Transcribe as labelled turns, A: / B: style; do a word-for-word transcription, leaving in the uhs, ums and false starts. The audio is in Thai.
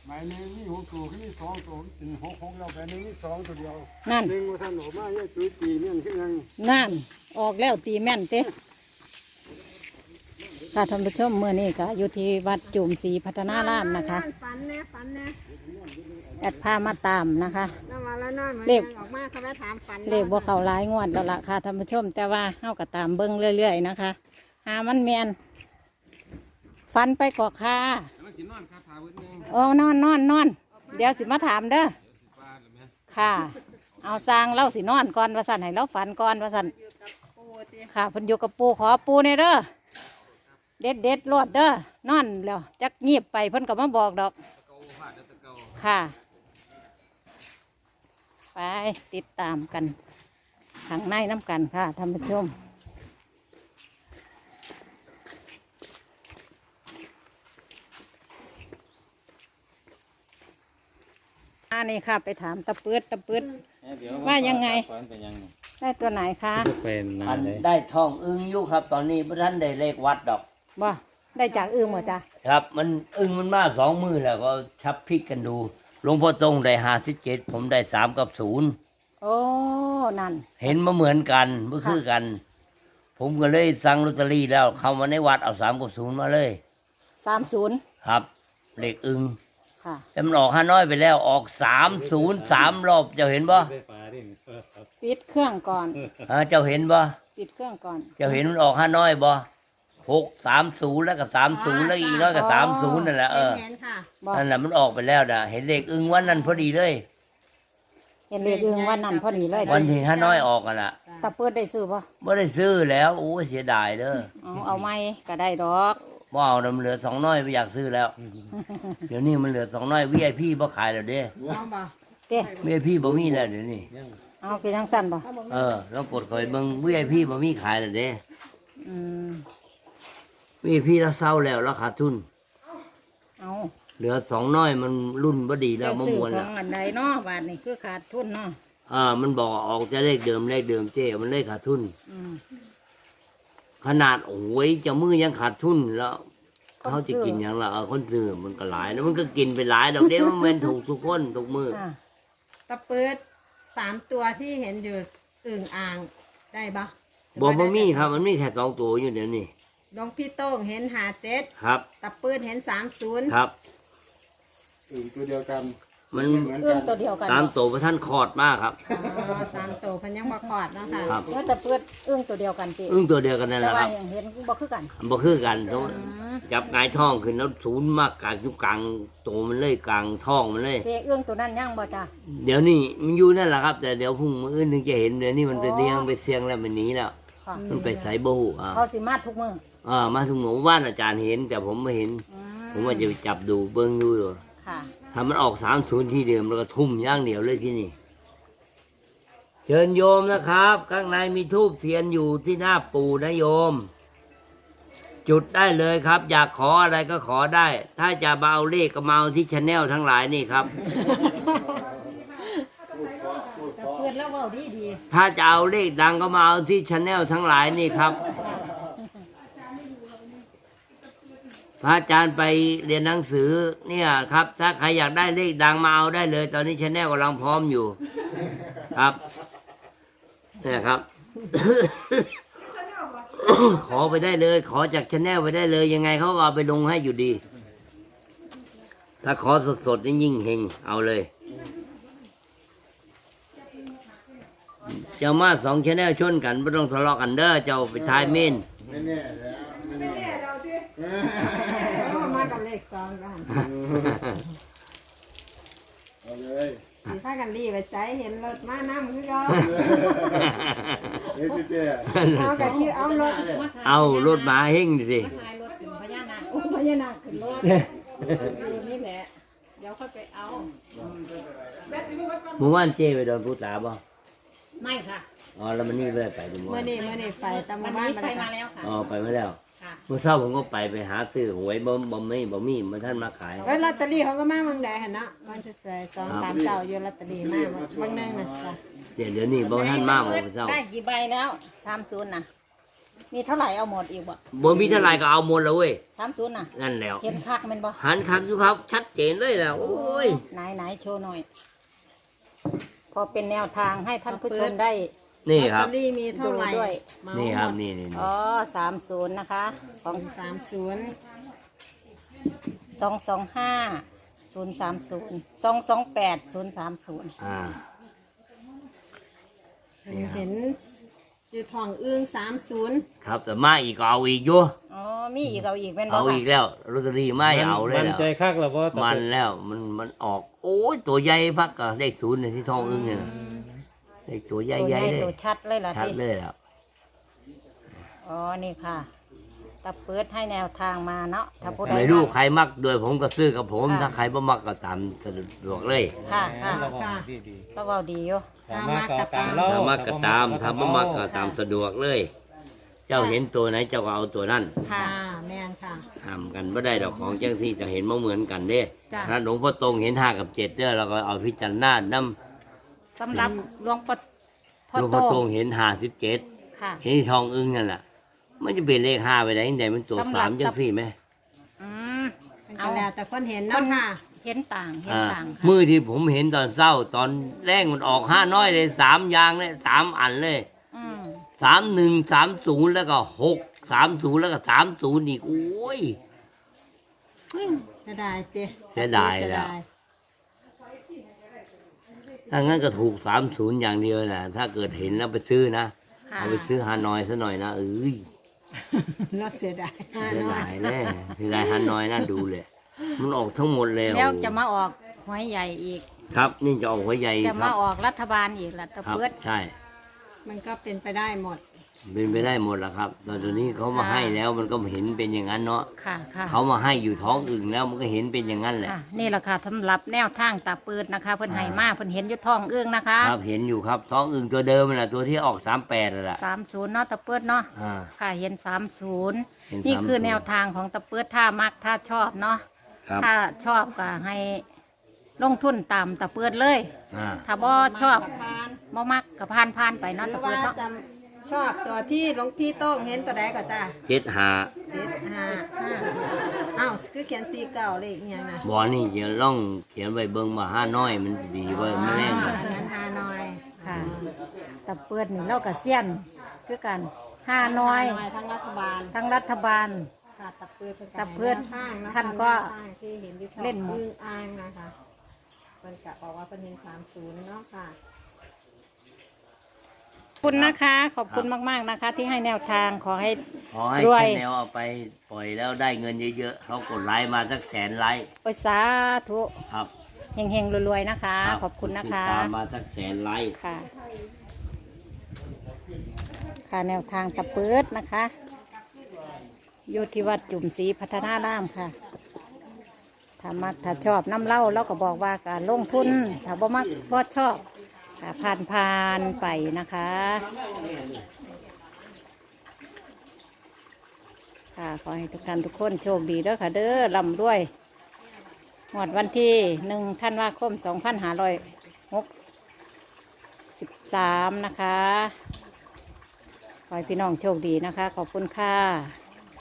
A: หมายหนึ่งมีหกตัวขึ้นมีสองตัวเป็นหกหกแล้วไปหนึ่งมีสองตัวเดียว
B: นั่น
A: หนึ่งว่าท่านออกมาเนี่ยจุดตีเนี่ยคือยัง
B: นั่นออกแล้วตีแม่นเต้ค่ะท่านผู้ชมเมื่อนี้ก็อยู่ที่วัดจุ่มศรีพัฒนารามนะคะ
C: ฝันแน่ฝันแน่
B: แอดพามาตามนะคะ
C: นอนมาแล้วนอนมา
B: เลข
C: ออกมาเขาไปถามฝัน
B: เลขว่าเขาหลายงวดแล้วล่ะค่ะท่านผู้ชม แต่ว่าเฮาก็ตามเบิ้งเรื่อยๆนะคะหามันแมนฟันไปกอกค่ะโอ้นอนนอนนอนเดี๋ยวสิมาถามเด้อค่ะ เอาสร้างเล่าสินอนก่อนว่าสันให้เราฝันก่อนว่าสันค่ะเพิ่นอยู่กับปูขอปูเนี่ยเด้อเด็ดเด็ดรวดเด้อนอนแล้วจักงีบไปเพิ่นก็มาบอกดอกค่ะไปติดตามกันทางในน้ำกันค่ะท่านผู้ชมอันนี้ค่ะไปถามตะปืดตะปืดว่ายังไงได้ตัวไหนคะ
D: เป็น
E: อันได้ทองอึ้งอยู่ครับ ตอนนี้พระท่านได้เลขวัดดอก
B: บ่ได้จากอื่นหมดจ้ะ
E: ครับ มันอึ้งมันมาสองมือแล้วก็ชับพลิกกันดูหลวงพ่อตรงได้ห้าสิบเจ็ดผมได้สามกับศูนย์
B: โอ้นั่น
E: เห็นมาเหมือนกันเมื่อคือกัน ผมก็เลยสั่งลอตเตอรี่แล้วเข้ามาในวัดเอาสามกับศูนย์มาเลย
B: สามศูนย์
E: ครับเลขอึ้ง
B: ค่ะ
E: แต่มันออกห้าน้อยไปแล้วออกสามศูนย์สามรอบเจ้าเห็นบ่
B: ปิดเครื่องก่อน
E: ฮะเจ้าเห็นบ่
B: ปิดเครื่องก่อน
E: เจ้าเห็นมันออกห้าน้อยบ่หกสามศูนย์แล้วก็สามศูนย์แล้วอีกน้อยก็สามศูนย์นั่นแหละเออ
C: เห็นค่ะ
B: บ่
E: นั่นแหละมันออกไปแล้วนะเห็นเลขอึ้งวันนั้นพอดีเลย
B: เห็นเลขอื่นวันนั้นพอดีเลย
E: วันที่ห้าน้อยออกกันละ
B: ตะปืดได้ซื้อป่ะ
E: ไม่ได้ซื้อแล้วโอ้เสียดายเด้อ
B: เอาเอาไม่ก็ได้ดอก
E: ว่าเอาน้ำเหลือสองน้อยไม่อยากซื้อแล้ว เดี๋ยวนี้มันเหลือสองน้อยวีไอพีบ่ขายแล้วเด้
C: เอาบ่
B: เต้
E: วีไอพีบ่มีแล้วเดี๋ยวนี้
B: เอาไปทางสั้นป่ะ
E: เออลองกดคอยเบิ่งวีไอพีบ่มีขายแล้วเด้
B: อืม
E: วีไอพีเราเศร้าแล้วเราขาดทุน
B: เอา
E: เหลือสองน้อยมันรุ่นบ่ดีแล้ว
B: เจ้า
E: มะ
B: ซื้อ
E: ม่วน
B: ขอ
E: แล้ว
B: งอันใดเนาะบาทนี่คือขาดทุนเนาะ
E: อ่ามันบอกออกจะเลขเดิมเลขเดิมเจ้มันเลขขาดทุน
B: อืม
E: ขนาดโอ้ยเจะมือยังขาดทุนแล้วเขาจะกินอย่างละเออคนซื้อมันก็หลายแล้วมันก็กินไปหลายดอกเด้มันเป็นถูกทุกคนทุกมือ
B: อ่ะ
C: ตะปืดสามตัวที่เห็นอยู่อึ่งอ่างได้ปะ
E: บอกมันมีครับมันมีแค่สองตัวอยู่เดี๋ยวนี้
C: หลวงพี่โต้งเห็นหาเจ็ด
E: ครับ
C: ตะปืดเห็นสามศูนย์
E: ครับ
A: อื่นตัวเดียวกัน
E: มัน
A: เหมือน
B: เอื้
A: กั
B: อน งตัวเดียวกัน
E: ตาม
B: เนาะ
E: โตพระท่านคอดมากครับ
C: อ๋อสามตัวเพันยังมาขอดเนาะค่ะ
E: ครับ
B: แล้วตะปืดเอื้องตัวเดียวกันติ
E: อึ้งตัวเดียวกันนั่นแห
B: แต่
E: ละค
B: ว่า
E: รับ
B: อย่างเห็นบ่คือกัน
E: บ่คือกันต้อง
B: อืม
E: จับงายท้องขึ้นแล้วศูนย์มากกลางอยู่กลางโตมันเลยกลางท้องมันเลย
B: เจเอื้องตัวนั้นยังบ่จ้ะ
E: เดี๋ยวนี้มันอยู่นั่นแหละครับ แต่เดี๋ยวพรุ่งมื้ออื่นถึงจะเห็นเดี๋ยวนี้มันไปเลี้ยงไปเสียงแล้วมันหนีแล้ว
B: ค่ะ
E: มันไปใส่บ่ฮู้อ่า
B: เขาสิมาทุกมื้อ
E: อ่ามาถึงหมู่บ้านอาจารย์เห็น แต่ผมไม่เห็น
B: อื
E: ผมว่าจะไปจับดูเบิ้งดูอยู่
B: ค่ะ
E: ถ้ามันออกสามศูนย์ที่เดิมแล้วก็ทุ่มอย่างเดียวเลยที่นี่เชิญโยมนะครับ ข้างในมีทูบเทียนอยู่ที่หน้าปู่นะโยม จุดได้เลยครับ อยากขออะไรก็ขอได้ ถ้าจะมาเอาเลขก็มาเอาที่ชาแนลทั้งหลายนี่ครับ
B: ตะปืดแล้วเว้าดีดี
E: ถ้าจะเอาเลขดังก็มาเอาที่ชาแนลทั้งหลายนี่ครับ พระอาจารย์ไปเรียนหนังสือเนี่ยครับ ถ้าใครอยากได้เลขดังมาเอาได้เลย ตอนนี้ชาแนลกำลังพร้อมอยู่ครับเนี่ยครับ ขอไปได้เลย ขอจากชาแนลไปได้เลย ยังไงเขาก็เอาไปลงให้อยู่ดี ถ้าขอสดๆนี่ยิ่งเฮงเอาเลยเจ้ามาสองชาแนลชนกันไม่ต้องทะเลาะกันเด้อเจ้าไปทายเมน
A: ไม่แน่แล้วไม่แน่
C: เอามากับเลขสองกัน
A: เอาเลย
C: สีผ้ากันรีไปใจเห็นรถมาน้ำคือก็
A: เฮ้ยเจ๊
C: เอากับที่เอารถ
E: เอารถมาเฮงดิ
B: มาถ่ายรถสิพญานาคโอ้พญานาคขึ้นรถอยู่นี่แหละเดี๋ยวค่อยไปเอา
E: เมื่อวานเจ้ไปโดนผู้ตาบ่
B: ไม่ค่ะ
E: อ๋อแล้วมันนี่เลยไปดูมั้
C: เมื่อนี้เมื่อนี้ไปตาม
B: วัน
C: บ้าน
B: นี้
C: มา
B: ไป
C: แล้ว
B: มาแล้วค่ะ
E: อ๋อไปไม่แล้ว
B: ค่ะ
E: เมื่อเช้าผมก็ไปไปหาซื้อหวยบ่บ่ไม่บ่มีมาท่านมาขาย
C: เอ้ยลอตเตอรี่เขาก็มาเมืองใดเห็นเนาะมันจะใส่สองสามเจ้าอยู่ลอตเตอรี่มาบางนึงนะจ้ะ
E: เดี๋ยวเดี๋ยวนี้บ่ท่านมาบ่เมื่อเช้า
B: ได้กี่ใบแล้วสามศูนย์นะมีเท่าไหร่เอาหมดอีกบ่
E: บ่มีเท่าไหร่ก็เอาหมดแล้วเว้ย
B: สามศูนย์น่ะ
E: นั่นแล้ว
B: เห็นคักแมันบ่
E: หันคักอยู่ครับ ชัดเจนเลยแล้วโอ้ย
B: ไหนไหนโชว์หน่อย พอเป็นแนวทางให้ท่านผู้ชมได้
E: นี่ค
C: ลอ
E: รั
C: ต
E: บ
C: เตอรี่มีเท่าไหร่
B: ดูด้วย
C: เหมา
E: นี่ครับ
C: หมด
E: นี่นี่นี่
B: อ๋อสามศูนย์นะคะของ
C: สามศูนย์
B: สองสองห้าศูนย์สามศูนย์สองสองแปดศูนย์สามศูนย์
E: อ่า นี่ครับ
C: เห็นอยู่ทองอึ้งสามศูนย์
E: ครับแต่มาอีกก็เอาอีกอยู่
B: อ๋อมีอีกเอาอีกเป็นบ่
E: เอา
B: ค่ะ
E: อีกแล้วลอตเตอรี่ไม่เอาเลย
A: มัน
E: แล้ว
A: ใจคักแล้วบ่ตะ
E: มัน
A: เปิด
E: แล้วมันมันออก โอ้ยตัวใหญ่พักกับเลขศูนย์เนี่ยที่ทองอึ้งเนี่ยนะเลขตัวใหญ่
B: ตัว
E: ใหญ่
B: ใหญ่
E: เลย
B: ตัวชัดเลยล่ะ
E: ชัด
B: ที่
E: เลยแล้ว
B: อ๋อนี่ค่ะตะเปิดให้แนวทางมาเนาะถ้าผู้ใด
E: ไม่รู้ใครมักโดยผมก็ซื้อกับผม
B: ค่ะ
E: ถ้าใครบ่มักก็ตามสะดวกเลย
B: ค่ะค่ะ
A: ระวังดี
B: ก็เว้าดีอยู่
A: ๆถ้ามาก็ตามเรา
E: ถ้ามักก็ตามถ้าบ่มักก็ตามสะดวกเลย เจ้าเห็นตัวไหนเจ้าก็เอาตัวนั้น
B: ค่ะ
C: ค่ะแม่นค่ะ
E: ห้ามกันไม่ได้ดอกของจังซี่จะเห็นมาเหมือนกันเด้
B: จ้ะ
E: ถ้าหลวงพ่อตรงเห็นห้ากับเจ็ดเด้อเราก็เอาพิจารณาน้
B: สำหรับหลวงพ่อ
E: ำ
B: พ่อ
E: หลวง
B: โต
E: พ่อตรงเห็นห้าสิบเจ็ด
B: ค่ะ
E: เห็นที่ทองอึ้งนั่นแหละมันจะเป็นเลขห้าไปไหนไหนมันตัว
B: สำหรับ
E: สามจังซี่ไหม
B: อืม
C: เป็น
B: เอา
C: กันแล้วแต่คนเห็นเนาะค่ะ
B: เห็นต่างเห็น
E: อ่า
B: ต่างค่ะ
E: มือที่ผมเห็นตอนเศร้า ตอนแรกมันออกห้าน้อยเลยสามอยางเลยสามอันเลย
B: อืม
E: สามหนึ่งสามศูนย์แล้วก็หกสามศูนย์แล้วก็สามศูนย์อีกโอ้ย
C: เสียดายเต้
E: เสียดายแล้ว ถ้างั้นก็ถูกสามศูนย์อย่างเดียวนะถ้าเกิดเห็นแล้วไปซื้อนะ
B: ค่ะ
E: เอาไปซื้อฮานอยซะหน่อยนะเอ้ย
C: แล้วเสียดาย
E: เสียดายแน่เสียดายฮานอยน่าดูเลย มันออกทั้งหมดเลย
B: แล้วจะมาออกหวยใหญ่อีก
E: ครับ นี่จะออกหัวใหญ่
B: จะ
E: ค
B: มา
E: รับ
B: ออกรัฐบาลอีกล่ะตะ
E: ครับ
B: เปิด
E: ใช่
C: มันก็เป็นไปได้หมด
E: เป็นไปได้หมดแล้วครับตอนนี้เขามา
B: ค่ะ
E: ให้แล้วมันก็เห็นเป็นอย่างนั้นเนาะ
B: ค่ะค่ะ
E: เขามาให้อยู่ท้องอึ่งแล้วมันก็เห็นเป็นอย่างนั้นแหละ
B: ค่ะนี่แหละค่ะสำหรับแนวทางตาเปิดนะคะ เพิ่นให้มาเพิ่นเห็นอยุทองเอื้องนะคะ
E: ครับเห็นอยู่ครับท้องอึ่งตัวเดิมนั่นแหละตัวที่ออกสามแปดนั่นแหละ
B: สามศูนย์เนาะตะเปิดเนาะ
E: อ่า
B: ค่ะเห็นสามศูนย์
E: เห็น
B: นี่คือ
E: สามศูนย์
B: แนวทางของตะเปิดถ้ามักถ้าชอบเนาะ
E: ครับ
B: ถ้าชอบก็ให้ลงทุนตามตะเปิดเลย
E: อ่า
B: ถ้าบ่ชอบ
C: พาน
B: บ่มักก็ผ่านผ่านๆไป
C: ห
B: เนาะ
C: รื
B: ตะ
C: อ
B: เปิ
C: ว่า
B: ดเนาะ
C: จำชอบตัวที่หลวงพี่โต้งเห็นตัวใดก็จ้า
E: เจ็ดหา
C: เจ็ดห้าอ้าวคือเขียนสี่เก้าเลขอหย่างนะ
E: บอนี่จะล่องเขียนไว้เบิ่งมาห้าน้อยมันดีไว้ไม่แน่
C: อันนั้นฮานอย
B: ค่ะตะเปิดนี่เราก็เซียนคือกันห้าน้อย
C: ฮานอยทั้งรัฐบาล
B: ทั้งรัฐบาล
C: ค่ะตะเพือนเป็น
B: ตะเพือน
C: ข้างะคะ
B: ท่านก็
C: แวทางที่เห็นอยู่
B: เล่นหมด
C: อึ้งอ่างนะคะเป็นกะบอกว่าเป็นเห็นสามศูนย์เนาะค่ะ
B: ขอบคุณนะคะ ขอบคุณมากๆนะคะ ที่ให้แนวทางขอให้
E: ขอให้
B: รวย
E: แค่แนวเอาไปปล่อยแล้วได้เงินเยอะๆเขากดไลค์มาสักแสนไลค์
B: โอ้ยสาธุ
E: ครับ
B: เฮงๆรวยๆนะคะ
E: รับ
B: ขอบคุณนะ
E: ติด
B: คะ
E: ตามมาสักแสนไลค์
B: ค่ะ ค่ะแนวทางตะเปิดนะคะอยู่ที่วัดจุ่มศรีพัฒนารามค่ะ ถ้ามักถ้าชอบน้ำเหล้าเราก็บอกว่าการลงทุน ถ้าบ่มักบ่ชอบก็ผ่านผ่านๆไปนะคะ ค่ะขอให้ทุกท่านทุกคนโชคดีเด้อค่ะเด้อร่ำรวยหมดวันที่หนึ่งธันวาคมสองพันห้าร้อยหกสิบสามนะคะ ขอให้พี่น้องโชคดีนะคะ ขอบคุณค่ะ